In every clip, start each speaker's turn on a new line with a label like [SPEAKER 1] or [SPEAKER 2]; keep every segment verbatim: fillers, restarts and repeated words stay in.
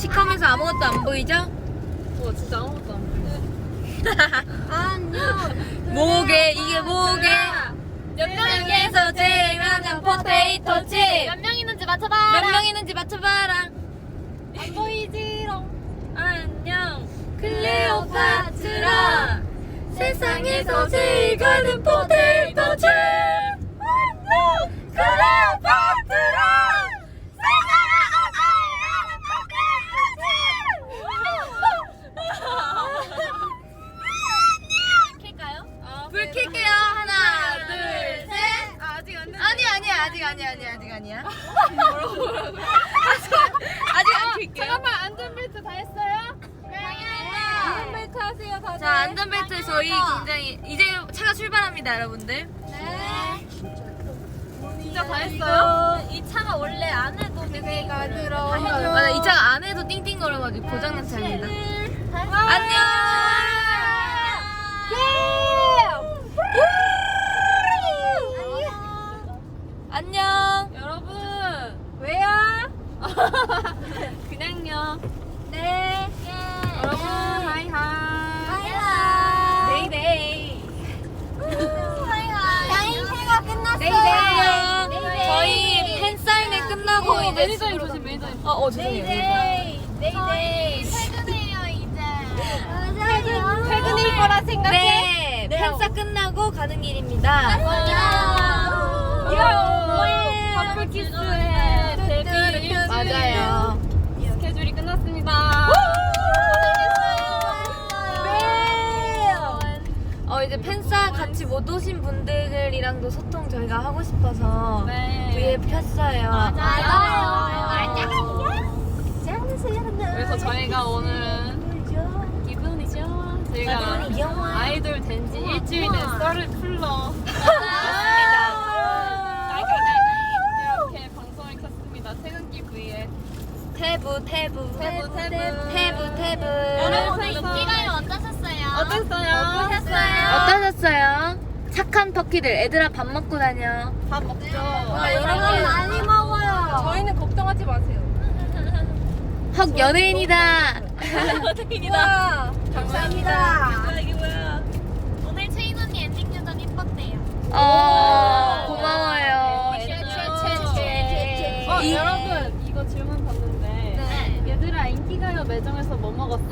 [SPEAKER 1] 시커면서 아무것도 안 보이죠?
[SPEAKER 2] 와 진짜 아무것도 안 보여.
[SPEAKER 3] 안녕.
[SPEAKER 1] 뭐게 이게 뭐게?
[SPEAKER 2] 몇
[SPEAKER 1] 명에서 제일 많은 포테이토 칩.
[SPEAKER 2] 몇 명 있는지 맞춰봐.
[SPEAKER 1] 몇 명 있는지 맞춰봐라.
[SPEAKER 2] 안 보이지롱.
[SPEAKER 1] 안녕 클레오파트라 세상에서 제일 가는 포테이토 칩. 안녕 클레오파트라 세상에서 제일 가는 포테이토 칩.
[SPEAKER 2] 킬까요?
[SPEAKER 1] 불 켤게요. 하나 둘셋.
[SPEAKER 2] 아직 안 됐어.
[SPEAKER 1] 아니 아니야 아직 아니야 아니야 아직 아니야. 아직 안 켤게요.
[SPEAKER 2] 잠깐만 안전벨트 다 했어요? 네. 안전벨트 하세요 다들.
[SPEAKER 1] 자 안전벨트 저희 굉장히 이제 차가 출발합니다 여러분들.
[SPEAKER 3] 네.
[SPEAKER 2] 진짜 다 했어요? 이 차가 원래 안에도 되게
[SPEAKER 3] 들어.
[SPEAKER 1] 맞아 이 차가 안에도 띵띵거려가지고 고장난 차입니다. 안녕. 안녕.
[SPEAKER 2] 여러분
[SPEAKER 3] 왜요?
[SPEAKER 2] 그냥요.
[SPEAKER 3] 네.
[SPEAKER 2] 여러분 하이 하이.
[SPEAKER 3] 하이하이.
[SPEAKER 2] 데이데이.
[SPEAKER 3] 양인회가 끝났어요.
[SPEAKER 1] 안녕.
[SPEAKER 3] 네이데이.
[SPEAKER 1] 저희 팬 사인회 끝나고
[SPEAKER 2] 어,
[SPEAKER 1] 이제
[SPEAKER 2] 매니저님
[SPEAKER 1] 집으로
[SPEAKER 2] 조심 매니저님.
[SPEAKER 1] 어, 어 죄송해요.
[SPEAKER 3] 네이데이. 네이데이. 퇴근해요 이제. 맞아요.
[SPEAKER 2] 퇴근일 거라 생각해.
[SPEAKER 1] 네, 팬사 끝나고 가는 길입니다.
[SPEAKER 2] 커플 키스해. 데뷔
[SPEAKER 1] 맞아요.
[SPEAKER 2] 스케줄이 끝났습니다.
[SPEAKER 1] 어 이제 팬사 같이 못 오신 분들이랑도 소통 저희가 하고 싶어서
[SPEAKER 2] 네.
[SPEAKER 1] 브이에 폈어요.
[SPEAKER 2] 그래서 저희가 오늘은 기분이죠. 저희가 아이돌 된 지 일주일 된 썰을 풀러 이렇게 방송을 켰습니다. 퇴근길 브이에.
[SPEAKER 1] 태부 태부
[SPEAKER 2] 태부, 태부.
[SPEAKER 1] 태부 태부.
[SPEAKER 2] 여러분,
[SPEAKER 3] 인기가요 어떠셨어요?
[SPEAKER 2] 어땠어요?
[SPEAKER 1] 어떠셨어요? 착한 터키들 애들아 밥 먹고 다녀.
[SPEAKER 2] 밥 먹죠.
[SPEAKER 3] 아, 여러분 많이 먹어요.
[SPEAKER 2] 저희는 걱정하지 마세요.
[SPEAKER 1] 헉 연예인이다.
[SPEAKER 2] 연예인이다.
[SPEAKER 3] 감사합니다.
[SPEAKER 2] 이게 뭐야?
[SPEAKER 3] 오늘 채인 언니 엔딩 요정 이뻤대요.
[SPEAKER 1] 어 고마워요.
[SPEAKER 3] 최최최최.
[SPEAKER 2] 어,
[SPEAKER 1] 이-
[SPEAKER 2] 여러분 이거 질문 받는데
[SPEAKER 3] 네.
[SPEAKER 2] 얘들아 인기가요 매장에서 뭐 먹었어?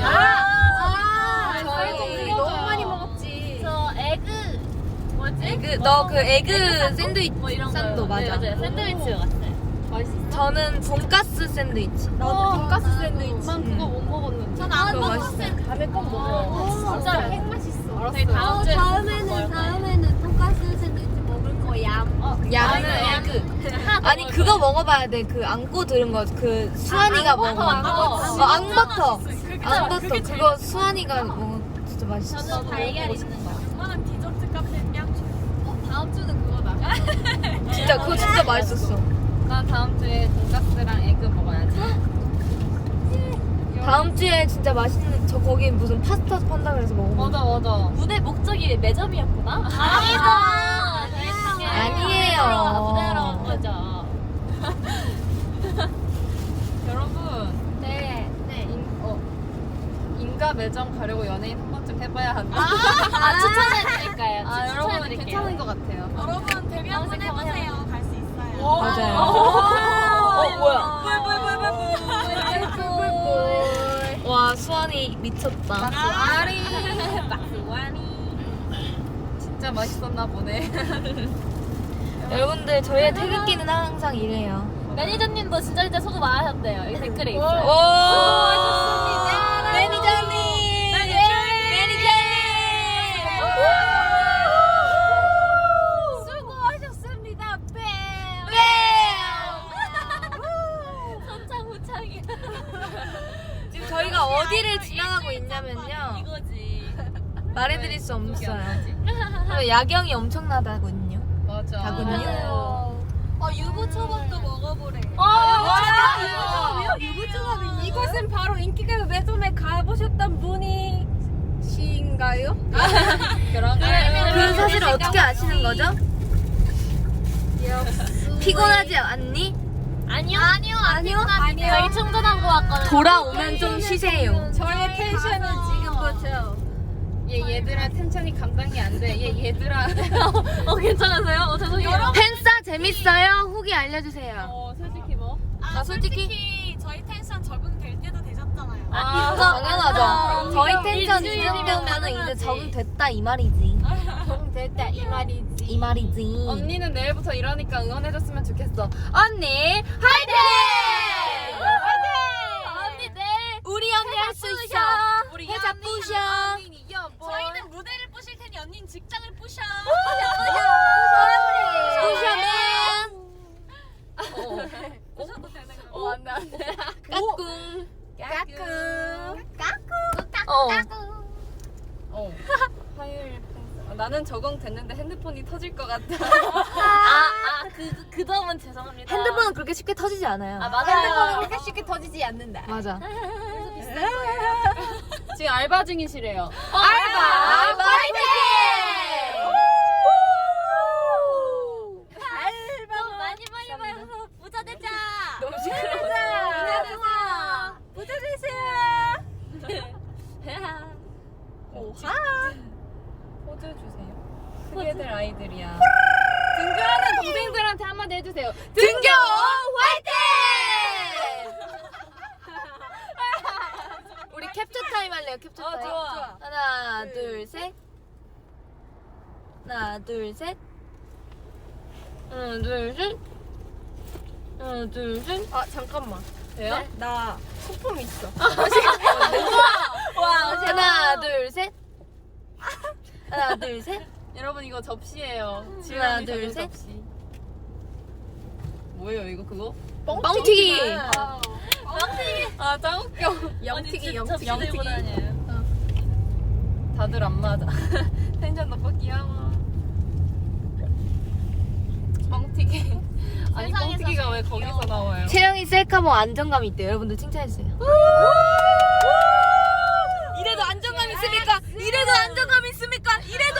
[SPEAKER 3] 아,
[SPEAKER 2] 저희
[SPEAKER 3] 저희
[SPEAKER 2] 너무
[SPEAKER 3] 많이 먹었지. 저 에그 뭐지?
[SPEAKER 1] 에그 너 그 에그 샌드위치
[SPEAKER 2] 뭐 이런
[SPEAKER 1] 샌도
[SPEAKER 2] 거요.
[SPEAKER 1] 맞아.
[SPEAKER 2] 네, 맞아요. 샌드위치 같아요. 맛있어?
[SPEAKER 1] 저는 돈가스 샌드위치.
[SPEAKER 2] 나도 돈가스 샌드위치. 난
[SPEAKER 3] 음.
[SPEAKER 2] 그거 못 먹었는데.
[SPEAKER 3] 전 안
[SPEAKER 1] 그거
[SPEAKER 3] 먹었어요.
[SPEAKER 2] 다음에 꼭
[SPEAKER 3] 먹어요.
[SPEAKER 2] 진짜 핵 맛있어. 알았어요. 다음
[SPEAKER 3] 어,
[SPEAKER 2] 주에
[SPEAKER 3] 다음에는 다음에는 돈가스 샌드위치 먹을 거야.
[SPEAKER 2] 어,
[SPEAKER 1] 야는
[SPEAKER 2] 아,
[SPEAKER 1] 에그. 아니 그거 먹어봐야 돼. 그 안고 들은 거. 그 수환이가 먹어.
[SPEAKER 2] 앙버터.
[SPEAKER 1] 어, 앙버터.
[SPEAKER 2] 그게
[SPEAKER 1] 앙버터.
[SPEAKER 2] 그게
[SPEAKER 1] 그거 수환이가 먹어. 진짜 맛있어.
[SPEAKER 3] 저는 달걀 있는 거.
[SPEAKER 2] 얼마나 디저트 카페냐? 어, 다음 주는 그거다.
[SPEAKER 1] 진짜 그거 진짜 맛있었어.
[SPEAKER 2] 난 다음 주에 돈가스랑 에그 먹어야지.
[SPEAKER 1] 다음 주에 진짜 맛있는 저 거기 무슨 파스타 판다 그래서 먹어.
[SPEAKER 2] 맞아 맞아.
[SPEAKER 3] 무대 목적이 매점이었구나? 아니다.
[SPEAKER 1] 아니에요.
[SPEAKER 3] 부드러운 거죠.
[SPEAKER 2] 여러분
[SPEAKER 3] 네. 네.
[SPEAKER 2] 인, 어, 인가 매점 가려고 연예인 한 번쯤 해봐야 한다.
[SPEAKER 3] 아, 추천해드릴까요?
[SPEAKER 2] 아, 여러분
[SPEAKER 3] 추천해드릴게요.
[SPEAKER 2] 괜찮은 것 같아요.
[SPEAKER 3] 여러분 데뷔 한번 해보세요. 갈 수 있어요.
[SPEAKER 1] 맞아요.
[SPEAKER 3] 어,
[SPEAKER 1] 뭐야?
[SPEAKER 3] 뿔뿔뿔뿔뿔.
[SPEAKER 1] 와 수환이 미쳤다.
[SPEAKER 2] 아리 박수환이 진짜 맛있었나 보네.
[SPEAKER 1] 여러분들 저희의 퇴근길은 항상 이래요.
[SPEAKER 3] 매니저님도 진짜 진짜 소금 안 하셨대요. 이 댓글에
[SPEAKER 1] 오,
[SPEAKER 3] 있어요.
[SPEAKER 2] 수고하셨습니다.
[SPEAKER 1] 매니저님.
[SPEAKER 3] 수고하셨습니다. 뺨. 선창 후창이야.
[SPEAKER 1] 지금 저희가 어디를 지나가고 있냐면요.
[SPEAKER 3] 이거지.
[SPEAKER 1] 말해드릴 수 없어요. 야경이 엄청나다군요.
[SPEAKER 2] 맞아.
[SPEAKER 1] 다군요.
[SPEAKER 3] 맞아요. 아 유부초밥도 먹어보래.
[SPEAKER 2] 아,
[SPEAKER 3] 유부초밥이
[SPEAKER 2] 이곳은 바로 인기가요 매점에 가보셨던 분이신가요? 그런가요?
[SPEAKER 1] 그 사실을 어떻게 아시는 거죠? 피곤하지 않니?
[SPEAKER 2] 아니요. 아니요.
[SPEAKER 1] 아니요?
[SPEAKER 2] 아니요. 저희 충전하고 왔거든요.
[SPEAKER 1] 돌아오면 좀 쉬세요.
[SPEAKER 3] 저의 텐션은 지금부터.
[SPEAKER 4] 얘 얘들아 텐션이 감당이 안 돼. 얘 얘들아.
[SPEAKER 2] 어, 괜찮으세요? 어, 죄송해요.
[SPEAKER 1] 팬싸 재밌어요? 후기 알려주세요.
[SPEAKER 4] 어 솔직히 뭐?
[SPEAKER 1] 아, 솔직히
[SPEAKER 5] 저희 텐션 적응될 때도 되셨잖아요.
[SPEAKER 2] 아,
[SPEAKER 1] 당연하죠. 저희 텐션 이
[SPEAKER 2] 일주일이면
[SPEAKER 1] 정도면은 이제
[SPEAKER 2] 가능하지.
[SPEAKER 1] 적응됐다 이 말이지.
[SPEAKER 3] 됐다 이 말이지.
[SPEAKER 1] 이 말이지.
[SPEAKER 4] 언니는 내일부터 일하니까 응원해줬으면 좋겠어. 언니 화이팅!
[SPEAKER 2] 언니 내일
[SPEAKER 1] 우리 언니 할 수 있어.
[SPEAKER 4] 우리
[SPEAKER 1] 해자 부셔.
[SPEAKER 5] 저희는 무대를 부실 테니 언니는 직장을 부셔.
[SPEAKER 1] 부셔맨.
[SPEAKER 5] 부셔도 되는 거.
[SPEAKER 4] 어 안돼 안돼.
[SPEAKER 1] 까꿍.
[SPEAKER 4] 까꿍.
[SPEAKER 1] 어.
[SPEAKER 4] 어. 화요일 팬싸. 어, 나는 적응됐는데 핸드폰이 터질 것 같아.
[SPEAKER 2] 아, 아, 그, 그 점은 죄송합니다.
[SPEAKER 1] 핸드폰은 그렇게 쉽게 터지지 않아요.
[SPEAKER 2] 아, 맞아요.
[SPEAKER 3] 그렇게 쉽게 터지지 않는다.
[SPEAKER 1] 맞아.
[SPEAKER 4] 지금 알바 중이시래요.
[SPEAKER 1] 알바. 알바 화이팅!
[SPEAKER 2] 좀 많이 많이 봐서 부자 되자.
[SPEAKER 1] 너무 시끄러워.
[SPEAKER 3] 부자 되세요.
[SPEAKER 4] 포즈 주세요. 크게 될 아이들이야. 등교하는 동생들한테 한마디 해주세요.
[SPEAKER 1] 등교 화이팅! 우리 캡처 타임 할래요. 캡처
[SPEAKER 4] 어,
[SPEAKER 1] 타임.
[SPEAKER 4] 좋아.
[SPEAKER 1] 하나, 둘, 셋. 하나, 둘, 셋. 하나, 둘, 셋. 하나, 둘, 셋.
[SPEAKER 4] 아 잠깐만. 돼요?
[SPEAKER 1] 네?
[SPEAKER 3] 나 소품 있어.
[SPEAKER 1] 와, 하나, 둘, 셋. 하나, 둘, 셋.
[SPEAKER 4] 여러분 이거 접시예요.
[SPEAKER 1] 하나,
[SPEAKER 4] 지난이
[SPEAKER 1] 둘,
[SPEAKER 4] 사준
[SPEAKER 1] 셋.
[SPEAKER 4] 접시. 뭐예요 이거 그거?
[SPEAKER 1] 뻥튀기.
[SPEAKER 4] 아 짱 웃겨.
[SPEAKER 3] 영튀기
[SPEAKER 2] 접시
[SPEAKER 3] 영튀기.
[SPEAKER 2] 들고 다녀요.
[SPEAKER 4] 다들 안 맞아. 텐션 너무 귀여워. 뻥튀기. 아니
[SPEAKER 2] 세상에서
[SPEAKER 4] 뻥튀기가 왜
[SPEAKER 2] 제일
[SPEAKER 4] 거기서
[SPEAKER 2] 귀여워.
[SPEAKER 4] 나와요?
[SPEAKER 1] 채영이 셀카봉 안정감 있대요. 여러분들 칭찬해주세요. 이래도 안정감 있습니까? 이래도 안정감 있습니까? 이래도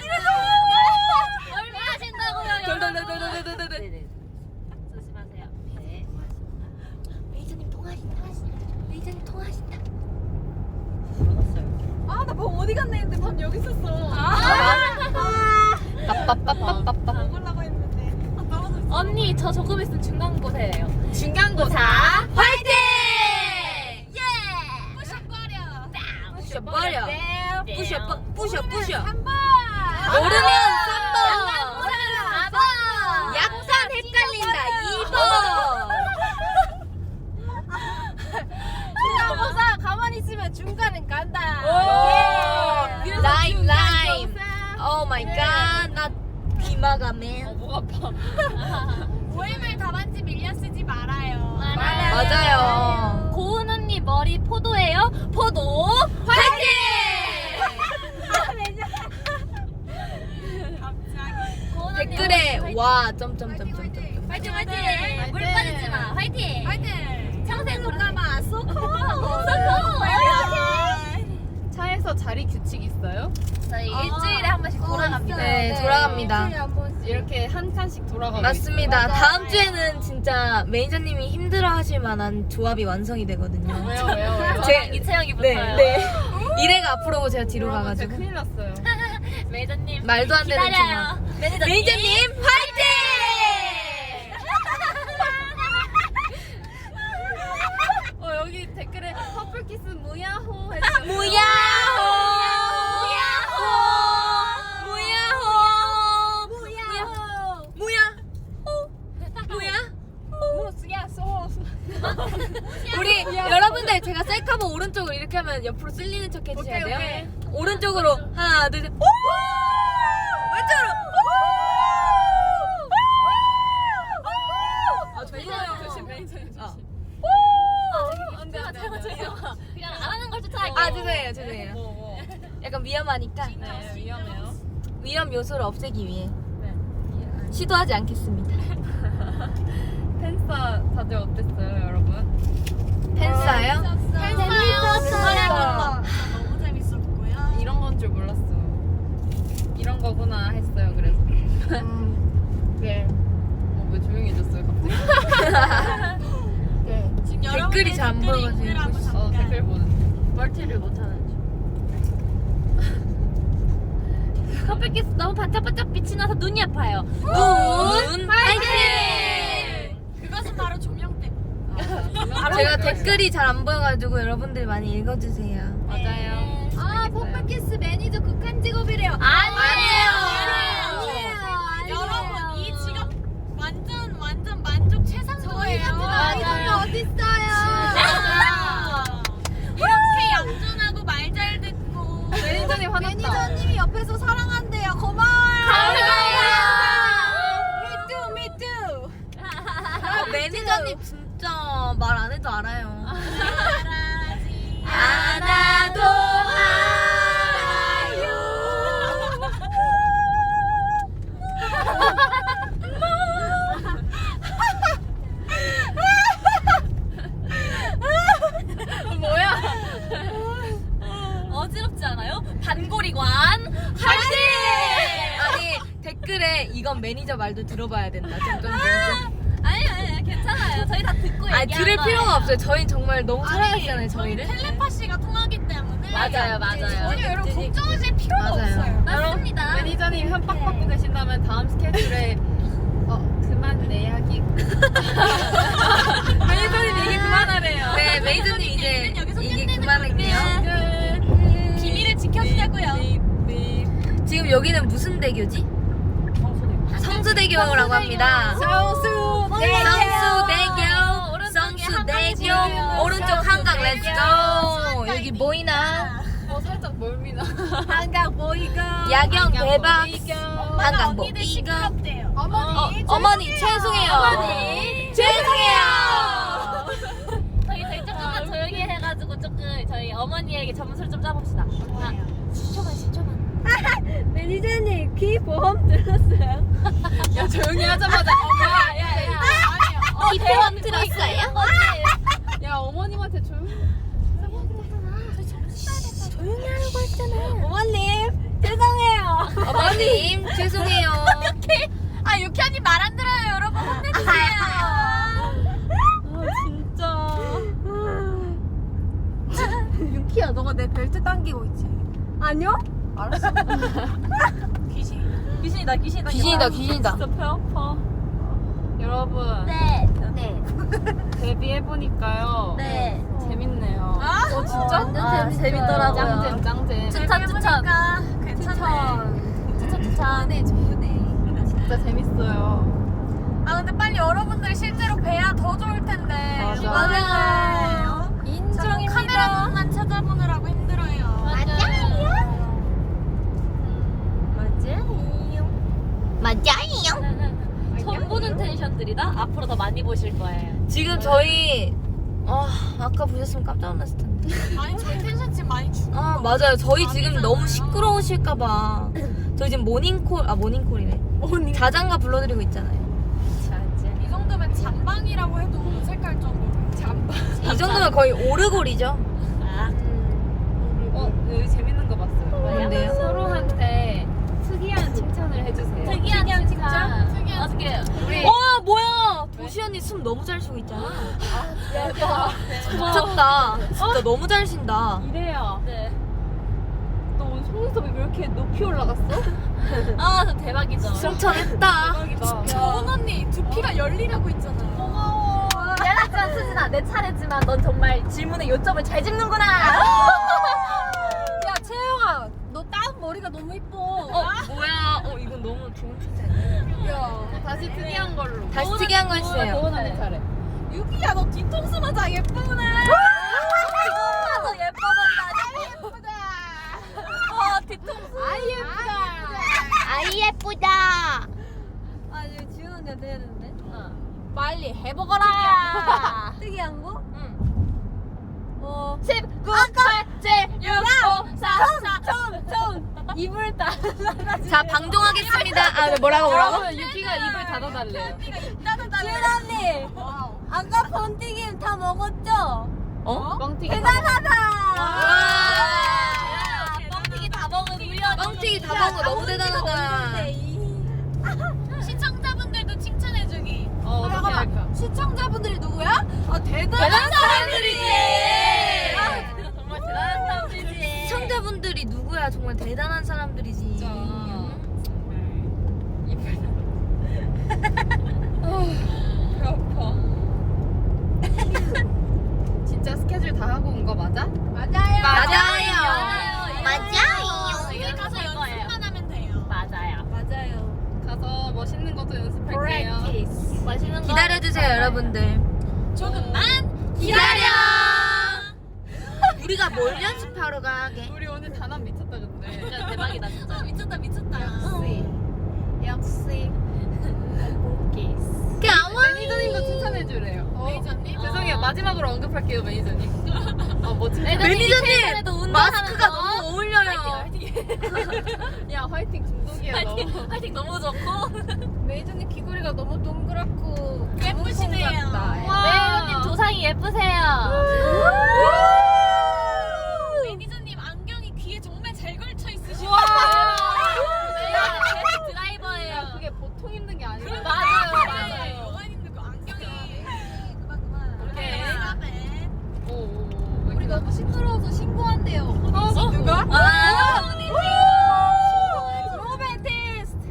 [SPEAKER 2] 얼마 하신다고요, 여러분?
[SPEAKER 1] 이래도.
[SPEAKER 2] 조심하세요. 네.
[SPEAKER 1] 메이저님 통화하신다. 메이저님 통화하신다.
[SPEAKER 3] 아나 방 어디 갔나 했는데 방 여기 있었어.
[SPEAKER 1] 빠빠빠빠빠빠.
[SPEAKER 5] 먹으려고 했는데. 아, 떨어졌어.
[SPEAKER 2] 언니, 저 조금 있으면 중간고사예요.
[SPEAKER 4] 중간고사.
[SPEAKER 1] 화이팅!
[SPEAKER 5] 부셔버려.
[SPEAKER 1] 부셔버려.
[SPEAKER 2] 네.
[SPEAKER 1] 부셔 버- 부셔 부셔.
[SPEAKER 5] 한 번.
[SPEAKER 1] 모르면 삼 번.
[SPEAKER 2] 사 번.
[SPEAKER 1] 약간 헷갈린다. 이 번.
[SPEAKER 3] 중간고사 가만히 있으면 중간은 간다.
[SPEAKER 1] 예. 라임 라임. 오 마이 갓. 나 비마가맨.
[SPEAKER 4] 어, 목 아파.
[SPEAKER 5] 모임을 답안지 밀려 쓰지 말아요.
[SPEAKER 1] 맞아요.
[SPEAKER 2] 고은 언니 머리 포도예요? 포도
[SPEAKER 1] 화이팅!
[SPEAKER 5] 갑자기.
[SPEAKER 2] 고은 언니
[SPEAKER 1] 댓글에
[SPEAKER 2] 화이팅.
[SPEAKER 1] 와 점점점점점.
[SPEAKER 2] 화이팅 화이팅 물 빠지지 마 화이팅
[SPEAKER 5] 화이팅.
[SPEAKER 2] 평생
[SPEAKER 3] 가마 쏘고.
[SPEAKER 4] 차에서 자리 규칙 있어요?
[SPEAKER 2] 저희 일주일에 한 번씩 돌아갑니다.
[SPEAKER 1] 네, 돌아갑니다.
[SPEAKER 4] 이렇게 한 칸씩 돌아가고
[SPEAKER 1] 맞습니다.
[SPEAKER 3] 맞아요.
[SPEAKER 1] 다음 주에는 진짜 매니저님이 힘들어하실 만한 조합이 완성이 되거든요.
[SPEAKER 4] 있어요. 왜요 왜요 왜요?
[SPEAKER 1] 제-
[SPEAKER 2] 저랑 이채영이
[SPEAKER 1] 네,
[SPEAKER 2] 붙어요.
[SPEAKER 1] 네. 이래가 앞으로 제가 뒤로
[SPEAKER 4] 여러분, 진짜
[SPEAKER 1] 가가지고
[SPEAKER 4] 큰일 났어요.
[SPEAKER 2] 매니저님
[SPEAKER 1] 말도 안 되는
[SPEAKER 2] 기다려요. 매니저님.
[SPEAKER 1] 매니저님 화이팅!
[SPEAKER 4] 어 여기 댓글에 커플키스 무야호 해주세요.
[SPEAKER 1] 무야호! 무야호! 무야호! 무야호! 무야호!
[SPEAKER 3] 무야 쏘.
[SPEAKER 1] 우리 여러분들 제가 셀카봉 오른쪽으로 이렇게 하면 옆으로 쓸리는 척 해주셔야 돼요.
[SPEAKER 4] 오케이.
[SPEAKER 1] 오른쪽으로 하나 둘 셋. 오! 왼쪽으로. 오! 아
[SPEAKER 4] 매니저님 조심 매니저님 조심. 안돼 안돼 안돼.
[SPEAKER 2] 그냥 안 하는 걸 쫓아갈게요.
[SPEAKER 1] 아 죄송해요 죄송해요.
[SPEAKER 4] 뭐 뭐.
[SPEAKER 1] 약간 위험하니까
[SPEAKER 4] 네 위험해요.
[SPEAKER 1] 위험 요소를 없애기 위해
[SPEAKER 4] 네.
[SPEAKER 1] 시도하지 않겠습니다.
[SPEAKER 4] 팬싸 다들 어땠어요 여러분?
[SPEAKER 1] 팬싸요?
[SPEAKER 2] 재밌었어요.
[SPEAKER 5] 너무 재밌었고요.
[SPEAKER 4] 이런 건 줄 몰랐어. 이런 거구나 했어요 그래서.
[SPEAKER 1] 음,
[SPEAKER 4] 그래. 어, 왜 조용해졌어요 갑자기?
[SPEAKER 1] 댓글이 잘 안 보여가지고
[SPEAKER 5] 읽으라고
[SPEAKER 1] 읽고 있어.
[SPEAKER 4] 어 댓글 보는.
[SPEAKER 2] 멀티를 못하는 중. 커피키스 너무 반짝반짝 빛이 나서 눈이 아파요.
[SPEAKER 1] 눈 화이팅!
[SPEAKER 5] 그것은 바로 조명 때문에.
[SPEAKER 1] 제가 댓글이 잘 안 보여가지고 여러분들 많이 읽어주세요.
[SPEAKER 4] 맞아요.
[SPEAKER 3] 아 pom파키스 매니저 극한 직업이래요.
[SPEAKER 2] 아니에요.
[SPEAKER 5] 여러분 이 직업 완전 완전 만족 최상급이에요.
[SPEAKER 3] 아이돌 어딨어요?
[SPEAKER 5] 이렇게 얌전하고 말 잘 듣고
[SPEAKER 4] 매니저님 화났다.
[SPEAKER 3] 매니저님이 옆에서 사랑한대요. 고마워요.
[SPEAKER 5] 미투 미투
[SPEAKER 1] 아, 매니저님 진짜 말 안 해도 알아요.
[SPEAKER 5] 말하지
[SPEAKER 1] 알아도
[SPEAKER 2] 어지럽지 않아요? 단골이관 화이팅!
[SPEAKER 1] 아니 댓글에 이건 매니저 말도 들어봐야 된다. 점점
[SPEAKER 2] 아니 아니 괜찮아요. 저희 다 듣고 얘기한
[SPEAKER 1] 아니 들을
[SPEAKER 2] 거예요.
[SPEAKER 1] 필요가 없어요. 저희 정말 너무 사랑하시잖아요. 저희를.
[SPEAKER 5] 텔레파시가 통하기 때문에
[SPEAKER 2] 맞아요, 맞아요.
[SPEAKER 5] 전혀 여러분 걱정하실 필요가
[SPEAKER 1] 맞아요.
[SPEAKER 5] 없어요.
[SPEAKER 2] 맞습니다.
[SPEAKER 4] 매니저님 현박 받고 계신다면 다음 스케줄에 어 그만 내야기. 매니저님 얘기 그만하래요.
[SPEAKER 1] 네 매니저님 이제
[SPEAKER 5] 여기서
[SPEAKER 1] 이게
[SPEAKER 5] 끝내는
[SPEAKER 1] 그만할게요.
[SPEAKER 5] 비밀을 지켜주자고요.
[SPEAKER 1] 지금 여기는 무슨 대교지? 성수대교라고 합니다.
[SPEAKER 2] 성수대교.
[SPEAKER 1] 성수대교,
[SPEAKER 2] 오른쪽에
[SPEAKER 1] 성수대교,
[SPEAKER 2] 한강
[SPEAKER 1] 오른쪽 한강 렛츠고. 여기 보이나?
[SPEAKER 4] 어 살짝 멀미나.
[SPEAKER 3] 한강 보이고.
[SPEAKER 1] 야경 대박. 한강
[SPEAKER 5] 언니들
[SPEAKER 1] 보이고.
[SPEAKER 5] 시끄럽대요.
[SPEAKER 3] 어머니.
[SPEAKER 1] 어, 어머니 죄송해요.
[SPEAKER 2] 어머니.
[SPEAKER 1] 죄송해요.
[SPEAKER 2] 저희 저희 조금만 조용히 해가지고 조금 저희 어머니에게 점수를 좀 짜봅시다. 아, 십 초만 십 초만.
[SPEAKER 3] 매니저님 귀 보험 들었어요?
[SPEAKER 4] 야 조용히 하자마자. 야야야.
[SPEAKER 2] 어,
[SPEAKER 1] 기포함 들었어요?
[SPEAKER 4] 야 어머님한테 조용히.
[SPEAKER 3] 어머님 죄송해요.
[SPEAKER 1] 어머님 죄송해요.
[SPEAKER 5] 아 유키언니 말 안 들어요 여러분 혼내주세요.
[SPEAKER 3] 유키야 너가 내 벨트 당기고 있지? 아니요? 알았어.
[SPEAKER 2] 귀신이다 귀신이다.
[SPEAKER 1] 귀신이다 귀신이다.
[SPEAKER 4] 진짜 배 아파. 여러분
[SPEAKER 2] 네. 네.
[SPEAKER 4] 데뷔해 보니까요.
[SPEAKER 2] 네.
[SPEAKER 4] 재밌네요.
[SPEAKER 5] 어
[SPEAKER 3] 진짜?
[SPEAKER 2] 아, 재밌더라고요.
[SPEAKER 4] 짱잼 짱잼.
[SPEAKER 2] 추천 추천.
[SPEAKER 5] 괜찮네.
[SPEAKER 2] 추천 추천.
[SPEAKER 3] 좋네 좋네.
[SPEAKER 4] 진짜 재밌어요.
[SPEAKER 5] 아 근데 빨리 여러분들 실제로 뵈야 더 좋을 텐데.
[SPEAKER 4] 맞아.
[SPEAKER 5] 맞아요.
[SPEAKER 3] 인정입니다.
[SPEAKER 5] 카메라만 찾아보느라고 힘들어요.
[SPEAKER 1] 맞아요.
[SPEAKER 2] 처음 보는 텐션들이다. 앞으로 더 많이 보실 거예요.
[SPEAKER 1] 지금 저희 아 아까 보셨으면 깜짝 놀랐을 텐데.
[SPEAKER 5] 아니 저희 텐션 지금 많이 죽.
[SPEAKER 1] 아 맞아요. 저희 지금 너무 시끄러우실까봐 저희 지금 모닝콜 아 모닝콜이네. 자장가 불러드리고 있잖아요.
[SPEAKER 5] 이 정도면 잠방이라고 해도 어색할 정도로. 잠방.
[SPEAKER 1] 이 정도면 거의 오르골이죠.
[SPEAKER 2] 아,
[SPEAKER 4] 어 여기 재밌는 거 봤어요.
[SPEAKER 1] 뭔데요?
[SPEAKER 4] 서로한테 특이한 칭찬을 해주세요.
[SPEAKER 2] 특이한 칭찬.
[SPEAKER 5] 특이한
[SPEAKER 2] 어떻게 우리
[SPEAKER 1] 와 뭐야 도시 언니 숨 너무 잘 쉬고 있잖아. 미쳤다. 진짜 너무 잘 쉰다.
[SPEAKER 4] 이래요.
[SPEAKER 2] 네.
[SPEAKER 4] 너 오늘 속눈썹이 왜 이렇게 높이 올라갔어?
[SPEAKER 2] 아, 저 대박이죠.
[SPEAKER 1] 승천했다.
[SPEAKER 4] 대박이다.
[SPEAKER 5] 정은 언니 두피가 열리라고 있잖아요. 고마워.
[SPEAKER 2] 미안하지만 수진아, 내 차례지만 넌 정말 질문의 요점을 잘 짚는구나.
[SPEAKER 3] 야 채영아 너 딱 머리가 너무 이뻐.
[SPEAKER 1] 어 뭐야? 어 이건 너무 좋은 칭찬이야.
[SPEAKER 3] 야.
[SPEAKER 4] 다시 특이한 걸로.
[SPEAKER 1] 다시 특이한 거 해주세요.
[SPEAKER 4] 도원 언니 차례.
[SPEAKER 5] 유기야 너 뒤통수 맞아 예쁘네.
[SPEAKER 2] 더 예뻐 보인다. 어, 뒤통수.
[SPEAKER 3] 아이 예쁘다.
[SPEAKER 1] 아이 예쁘다.
[SPEAKER 3] 아 이거 지훈 언니한테 해야 되는데.
[SPEAKER 2] 빨리 해보거라.
[SPEAKER 3] 특이한 거?
[SPEAKER 2] 응.
[SPEAKER 3] 어.
[SPEAKER 2] 십, 구, 팔, 칠, 육, 오, 사, 사.
[SPEAKER 3] 입을 다.
[SPEAKER 1] 자 방종하겠습니다. 아 네, 뭐라고 뭐라고?
[SPEAKER 4] 여러분 유키가 입을 닫아달래요.
[SPEAKER 3] 지훈 언니. 아까 번튀김 다 먹었죠?
[SPEAKER 1] 어?
[SPEAKER 4] 뻥튀기.
[SPEAKER 3] 대단하다.
[SPEAKER 2] 와. 뻥튀기 다 먹은 우연.
[SPEAKER 1] 뻥튀기 다 먹은 거 너무 대단하다.
[SPEAKER 5] 시청자분들도 칭찬해주기.
[SPEAKER 4] 어 어떻게 할까?
[SPEAKER 3] 시청자분들이 누구야? 아 대단한
[SPEAKER 2] 대단한
[SPEAKER 3] 사람들이지.
[SPEAKER 2] 사람들이지. 정말 대단한 사람들이지.
[SPEAKER 1] 시청자분들이 누구야? 정말 대단한 사람들이지.
[SPEAKER 4] 진짜.
[SPEAKER 1] 응?
[SPEAKER 4] 배 아파. 진짜 스케줄 다 하고 온 거 맞아?
[SPEAKER 3] 맞아요.
[SPEAKER 1] 맞아요.
[SPEAKER 2] 맞아요.
[SPEAKER 5] 저희
[SPEAKER 2] 저희가
[SPEAKER 5] 가서
[SPEAKER 2] 할 거예요.
[SPEAKER 5] 연습만 하면 돼요.
[SPEAKER 2] 맞아요.
[SPEAKER 3] 맞아요.
[SPEAKER 4] 가서 멋있는 것도 연습할게요.
[SPEAKER 3] Practice.
[SPEAKER 2] 맛있는 거
[SPEAKER 1] 기다려주세요,
[SPEAKER 2] 맞아요.
[SPEAKER 1] 여러분들.
[SPEAKER 5] 조금만
[SPEAKER 1] 기다려. 우리가 뭘 연습하러 가게?
[SPEAKER 4] 우리 오늘 단합 미쳤다 근데.
[SPEAKER 2] 진짜 대박이다 진짜.
[SPEAKER 5] 미쳤다 미쳤다.
[SPEAKER 3] 역시. 역시.
[SPEAKER 4] 매니저님도 칭찬해주래요.
[SPEAKER 5] 매니저님.
[SPEAKER 4] 죄송해요. 마지막으로 언급할게요 매니저님. 어 멋진.
[SPEAKER 1] 매니저님
[SPEAKER 2] 운동하는
[SPEAKER 1] 마스크가
[SPEAKER 2] 거.
[SPEAKER 1] 너무 어울려요.
[SPEAKER 4] 야 화이팅 중독이야 너.
[SPEAKER 2] 화이팅, 화이팅 너무 좋고.
[SPEAKER 3] 메이저님 귀걸이가 너무 동그랗고
[SPEAKER 5] 예쁘시네요.
[SPEAKER 3] 콩 같다.
[SPEAKER 2] 매니저님 조상이 예쁘세요.
[SPEAKER 5] 매니저님 안경이 귀에 정말 잘 걸쳐 있으시고.
[SPEAKER 2] 네, 드라이버예요.
[SPEAKER 4] 그게 보통 힘든 게 아니라.
[SPEAKER 2] 맞아요, 맞아요.
[SPEAKER 5] 여관님들 그 안경이. 그만 그만.
[SPEAKER 2] 오케이.
[SPEAKER 5] 네.
[SPEAKER 4] 오, 오, 오.
[SPEAKER 3] 우리 너무 시끄러워서 신고한대요.
[SPEAKER 4] 어,
[SPEAKER 3] 누가?
[SPEAKER 1] 아,
[SPEAKER 3] 로맨티스트.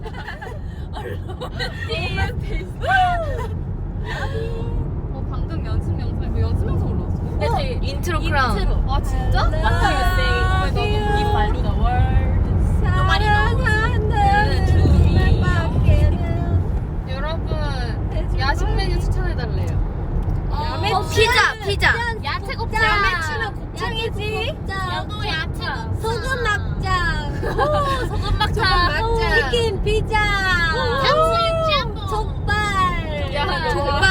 [SPEAKER 4] 어 방금 연습 영상 이거 연습 영상 올라왔어.
[SPEAKER 2] 네, 저희
[SPEAKER 1] 인트로 크라운.
[SPEAKER 2] 인트로.
[SPEAKER 4] 아 진짜?
[SPEAKER 2] What you say? 너무 이 발로 the world.
[SPEAKER 3] 사랑한다는 말밖에는.
[SPEAKER 4] 여러분 야식 메뉴 추천해달래요.
[SPEAKER 2] 어,
[SPEAKER 1] 피자, 피자.
[SPEAKER 2] 야채 곱창.
[SPEAKER 3] 야매추는 곱창이지.
[SPEAKER 2] 저도 야채 곱창.
[SPEAKER 3] 소금 막장.
[SPEAKER 2] 소금 막창.
[SPEAKER 3] 치킨 피자.
[SPEAKER 2] 탕수육 짬뽕.
[SPEAKER 3] 족발.
[SPEAKER 4] 야,
[SPEAKER 1] 정말.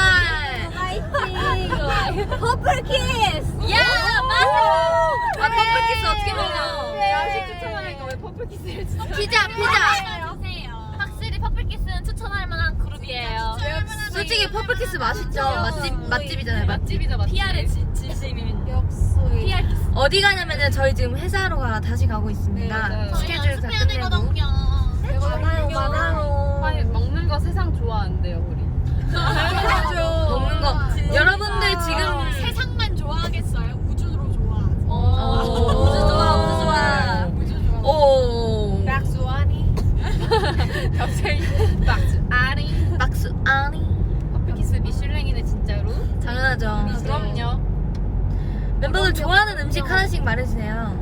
[SPEAKER 3] 화이팅. 퍼플 키스.
[SPEAKER 2] 야, 맞아.
[SPEAKER 1] 아, 퍼플키스 어떻게 먹어?
[SPEAKER 4] 야식 추천하니까 왜 퍼플키스를 진짜.
[SPEAKER 1] 피자, 피자.
[SPEAKER 5] 주세요.
[SPEAKER 2] 확실히 퍼플키스는 추천할 만한 그룹이에요.
[SPEAKER 1] 솔직히 퍼플키스 맛있죠? 맛집, 맛집이잖아요, 맛집.
[SPEAKER 4] 맛집이다 맛집.
[SPEAKER 2] 피아르의 진, 진심인
[SPEAKER 3] 역시.
[SPEAKER 2] 피알 키스.
[SPEAKER 1] 어디 가냐면은 저희 지금 회사로 가, 다시 가고 있습니다.
[SPEAKER 4] 네, 맞아요.
[SPEAKER 1] 스케줄 다
[SPEAKER 5] 연습해야
[SPEAKER 1] 끝내고.
[SPEAKER 5] 되거든요.
[SPEAKER 3] 많아요, 많아요.
[SPEAKER 4] 아니 먹는 거 세상 좋아한대요 우리.
[SPEAKER 1] 먹는 거. 여러분들 지금
[SPEAKER 5] 세상만 좋아하겠어요? 우주로 좋아.
[SPEAKER 1] 오, 우주 좋아, 우주 좋아.
[SPEAKER 5] 우주 좋아.
[SPEAKER 1] 오,
[SPEAKER 3] 박수아니.
[SPEAKER 4] 갑자기 박수 아리.
[SPEAKER 1] 박수 아니.
[SPEAKER 4] 퍼플키스 미슐랭이네 진짜로.
[SPEAKER 1] 당연하죠.
[SPEAKER 4] 그럼요.
[SPEAKER 1] 멤버들 좋아하는 음식 하나씩 말해주세요.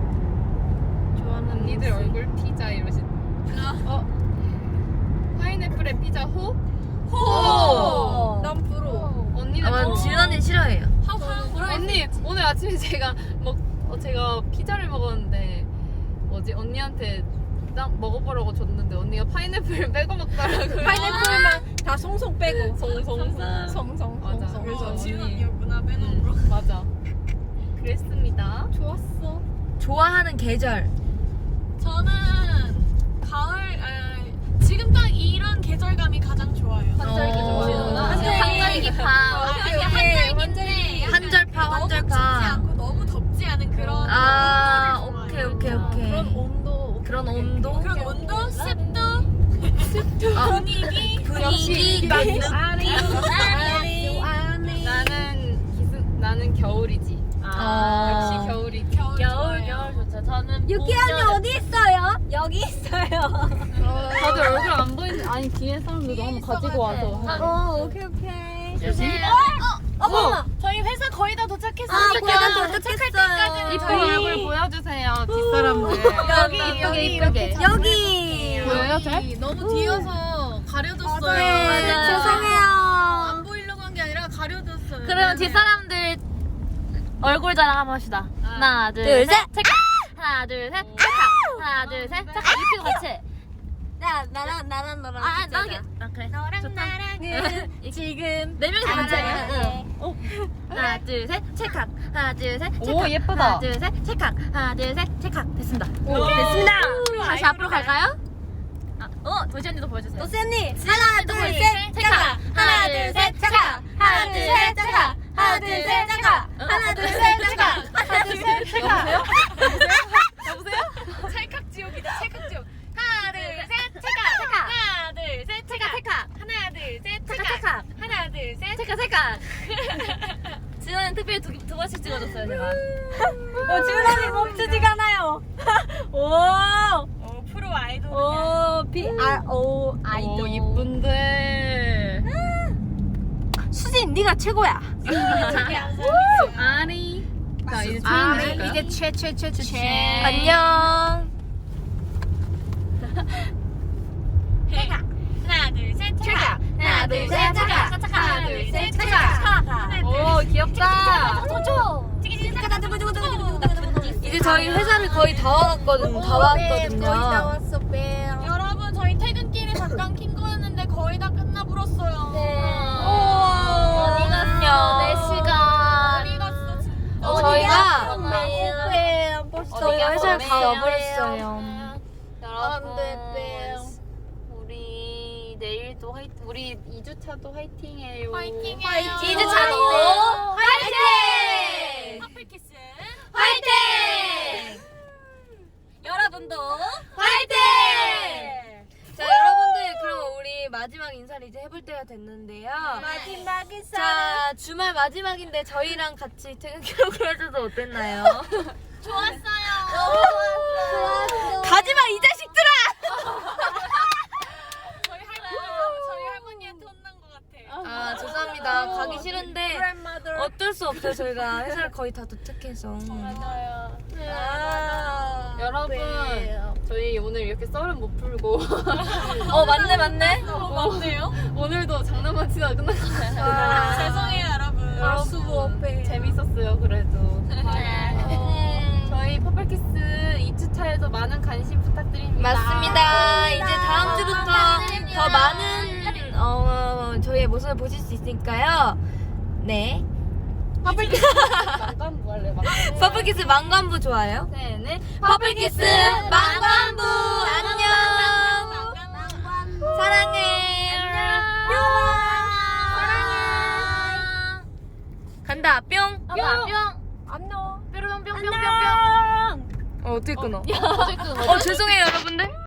[SPEAKER 4] 언니들 얼굴 피자 이러신. 어? 파인애플에 피자 호?
[SPEAKER 1] 호!
[SPEAKER 3] 난 프로.
[SPEAKER 4] 언니는
[SPEAKER 1] 아마
[SPEAKER 4] 뭐?
[SPEAKER 1] 지은 언니 싫어해요.
[SPEAKER 4] 언니 오늘 아침에 제가 먹 어, 제가 피자를 먹었는데 뭐지 언니한테 딱 먹어보라고 줬는데 언니가 파인애플 빼고 먹더라고요.
[SPEAKER 3] 파인애플만 다 송송 빼고.
[SPEAKER 4] 송송송.
[SPEAKER 3] 송송.
[SPEAKER 4] 맞아.
[SPEAKER 3] 송송.
[SPEAKER 4] 그래서
[SPEAKER 5] 어, 지은
[SPEAKER 4] 언니.
[SPEAKER 5] 언니였구나 빼놓은 거.
[SPEAKER 4] 응, 맞아. 그랬습니다.
[SPEAKER 3] 좋았어.
[SPEAKER 1] 좋아하는 계절.
[SPEAKER 5] 저는 가을, 아, 지금 딱 이런 계절감이 가장 좋아요.
[SPEAKER 4] 한절기
[SPEAKER 1] 어.
[SPEAKER 4] 좋아하시는구나.
[SPEAKER 3] 한절기.
[SPEAKER 2] 한절기 파.
[SPEAKER 5] 아, 이게 한절기인데
[SPEAKER 1] 한절파,
[SPEAKER 5] 너무 춥지
[SPEAKER 1] 한절파.
[SPEAKER 5] 않고 너무 덥지 않은 그런
[SPEAKER 1] 아,
[SPEAKER 5] 온도를
[SPEAKER 1] 오케이,
[SPEAKER 5] 좋아해요.
[SPEAKER 1] 오케이, 오케이.
[SPEAKER 3] 그런 온도.
[SPEAKER 1] 그런 온도?
[SPEAKER 5] 그런 온도, 습도,
[SPEAKER 1] 아,
[SPEAKER 5] 분위기,
[SPEAKER 1] 분위기,
[SPEAKER 3] 아니.
[SPEAKER 1] 느
[SPEAKER 3] 아니. 아니.
[SPEAKER 4] 나는 기승 나는 겨울이지.
[SPEAKER 1] 아.
[SPEAKER 4] 역시 겨울이.
[SPEAKER 5] 겨울,
[SPEAKER 2] 겨울
[SPEAKER 5] 좋아요.
[SPEAKER 2] 겨울 좋죠. 저는
[SPEAKER 3] 유키 언니
[SPEAKER 2] 봄, 여름.
[SPEAKER 3] 어디 있어요? 여기 있어요.
[SPEAKER 4] 다들 얼굴 안 보이는데 아니 뒤에 사람들도 한번 가지고 와서.
[SPEAKER 3] 어, 오케이 오케이.
[SPEAKER 2] 주세요.
[SPEAKER 3] 어머.
[SPEAKER 5] 저희 회사 거의 다 도착했어요.
[SPEAKER 3] 아, 고향 도착했어요.
[SPEAKER 4] 이쁜 얼굴 보여주세요 뒷사람들.
[SPEAKER 3] 여기 여기 이쁘게. 여기.
[SPEAKER 4] 보여요 잘?
[SPEAKER 5] 너무 뒤여서 가려졌어요.
[SPEAKER 3] 네,
[SPEAKER 2] 맞아요.
[SPEAKER 3] 죄송해요.
[SPEAKER 5] 안 보이려고 한 게 아니라 가려졌어요.
[SPEAKER 2] 그러면 뒷사람들 얼굴 자랑 한번 합시다. 하나, 둘,
[SPEAKER 3] 둘,
[SPEAKER 2] 셋,
[SPEAKER 3] 셋.
[SPEAKER 2] 체크. 하나, 둘, 셋, 체크. 하나, 둘, 셋, 체크. 이렇게 같이.
[SPEAKER 3] 나 나랑 나랑 너랑.
[SPEAKER 2] 아, 아,
[SPEAKER 3] 진짜다.
[SPEAKER 2] 나게. 아, 그래.
[SPEAKER 3] 너랑
[SPEAKER 2] 좋다.
[SPEAKER 3] 나랑은 지금
[SPEAKER 2] 네 명이 다 같이.
[SPEAKER 3] 알아요.
[SPEAKER 2] 응. 하나, 둘, 셋, 체크. 하나, 둘, 셋, 체크.
[SPEAKER 4] 오, 예쁘다.
[SPEAKER 2] 하나, 둘, 셋, 체크. 하나, 둘, 셋, 체크. 됐습니다.
[SPEAKER 3] 오,
[SPEAKER 2] 됐습니다. 다시 앞으로 갈까요? 아, 어, 도시 언니도 보여주세요.
[SPEAKER 3] 또 쌤니 하나 둘
[SPEAKER 2] 보여주세요.
[SPEAKER 3] 셋
[SPEAKER 2] 체크.
[SPEAKER 3] 차가 하나 둘 셋 차가 하나 둘 셋 차가 하나 둘 셋 차가 하나 둘 셋 차가 하나 둘 셋 차가.
[SPEAKER 5] 찰칵지옥이다, 찰칵지옥. 하나, 둘, 셋, 체크. 하나, 둘, 셋, 체크.
[SPEAKER 2] 체크.
[SPEAKER 5] 하나, 둘, 셋,
[SPEAKER 2] 체크,
[SPEAKER 5] 체크.
[SPEAKER 2] 체크.
[SPEAKER 5] 하나, 둘, 셋,
[SPEAKER 2] 체크, 체크.
[SPEAKER 5] 체크.
[SPEAKER 2] 체크. 뮤직비디오 두, 두 번씩 찍어줬어요 제가.
[SPEAKER 3] 어, 지훈이 멈추지가 않아요. 오,
[SPEAKER 5] 어, 프로 아이돌.
[SPEAKER 3] 오, 비, 아, 오, 아이돌.
[SPEAKER 4] 오 이쁜데.
[SPEAKER 3] 수진, 네가 최고야.
[SPEAKER 4] 아니. 자 이제
[SPEAKER 3] 아,
[SPEAKER 4] 체인 해볼까요?
[SPEAKER 3] 이제 최, 최, 최, 최.
[SPEAKER 1] 안녕.
[SPEAKER 5] 하나, 둘, 셋, 차가.
[SPEAKER 3] 하나, 둘, 셋, 차가. 하나, 둘, 셋, 차가.
[SPEAKER 4] 오 귀엽다.
[SPEAKER 1] 이제 저희 회사를 거의 다 와갔거든. 다 왔거든요.
[SPEAKER 3] 왔어, 뱀.
[SPEAKER 5] 여러분, 저희 퇴근길에 잠깐 킨 거였는데 거의 다 끝나버렸어요.
[SPEAKER 2] 어디 갔어? 내 시간.
[SPEAKER 5] 어디 갔어, 진짜.
[SPEAKER 1] 어, 저희가
[SPEAKER 3] 뱀, 벌써
[SPEAKER 1] 저희가 회사를 다
[SPEAKER 3] 뱀.
[SPEAKER 1] 와버렸어요.
[SPEAKER 2] 여러분
[SPEAKER 3] 뱀.
[SPEAKER 2] 우리 내일도 화이팅. 우리 이 주차도 화이팅해요.
[SPEAKER 5] 화이팅해요.
[SPEAKER 1] 이 주차도
[SPEAKER 3] 화이팅!
[SPEAKER 5] 커플키스.
[SPEAKER 3] 화이팅!
[SPEAKER 2] 여러분도
[SPEAKER 3] 화이팅!
[SPEAKER 1] 자 여러분들 그럼 우리 마지막 인사를 이제 해볼 때가 됐는데요.
[SPEAKER 3] 마지막 인사.
[SPEAKER 1] 자 주말 마지막인데 저희랑 같이 퇴근기록을 해줘서 어땠나요?
[SPEAKER 5] 좋았어요.
[SPEAKER 3] 좋았어.
[SPEAKER 1] 가지마 이 자식들아!
[SPEAKER 5] 저희 할머니, 저희 할머니한테 혼난 것 같아.
[SPEAKER 1] 아 죄송합니다. 가기 싫은데
[SPEAKER 3] Grandmother.
[SPEAKER 1] 어쩔 수 없어요. 저희가 회사를 거의 다 도착해서.
[SPEAKER 2] 맞아요.
[SPEAKER 3] 아,
[SPEAKER 4] 여러분
[SPEAKER 3] 뱀.
[SPEAKER 4] 저희 오늘 이렇게 썰은 못 풀고
[SPEAKER 1] 어 맞네 맞네.
[SPEAKER 5] 어, 맞네요.
[SPEAKER 4] 오늘도 장난만 치다가 끝났어요.
[SPEAKER 5] 죄송해요, 여러분.
[SPEAKER 3] 아, 수고, 뱀.
[SPEAKER 4] 재밌었어요 그래도.
[SPEAKER 3] 네.
[SPEAKER 4] 저희 퍼플키스 이 주차에도 많은 관심 부탁드립니다.
[SPEAKER 1] 맞습니다. 이제 다음 주부터 더 많은 어, 저희의 모습을 보실 수 있으니까요. 네.
[SPEAKER 4] 잠깐 뭐 할래? 막.
[SPEAKER 1] 퍼플키스 망관부 좋아요.
[SPEAKER 4] 네네.
[SPEAKER 1] 퍼플키스 망관부 안녕. 사랑해. 사랑해. 간다 뿅.
[SPEAKER 2] 뿅. 뿅.
[SPEAKER 3] 안녕.
[SPEAKER 2] 뿅뿅뿅뿅뿅뿅.
[SPEAKER 3] 안녕.
[SPEAKER 1] 어 어떻게 끊어?
[SPEAKER 2] 어쨌든
[SPEAKER 1] 어 죄송해요 여러분들.